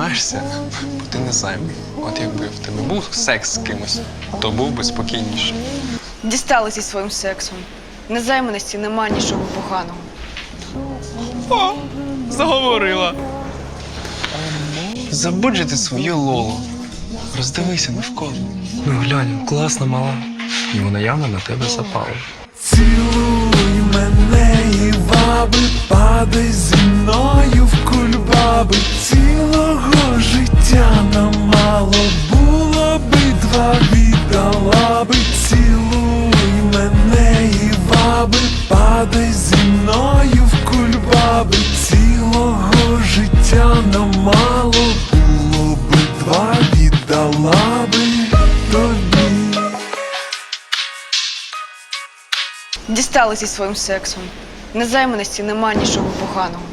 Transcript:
тримаєшся, бо ти не зайвий. От якби в тебе був секс з кимось, то був би спокійніше. Дістали зі своїм сексом. Незайманості нема нічого поганого. О, заговорила. Забудь же ти свою Лолу. Роздивися навколо. Ну глянь, класна мала. І вона явно на тебе запала. Цілуй мене і ваби, падай зі мною в кульбаби. Цілого життя нам мало, було би два, віддала би. Цілуй мене і ваби, падай зі мною в кульбаби. Цілого життя нам мало, було би два, віддала би тобі. Дістали зі своїм сексом. Незайманості нема нічого поганого.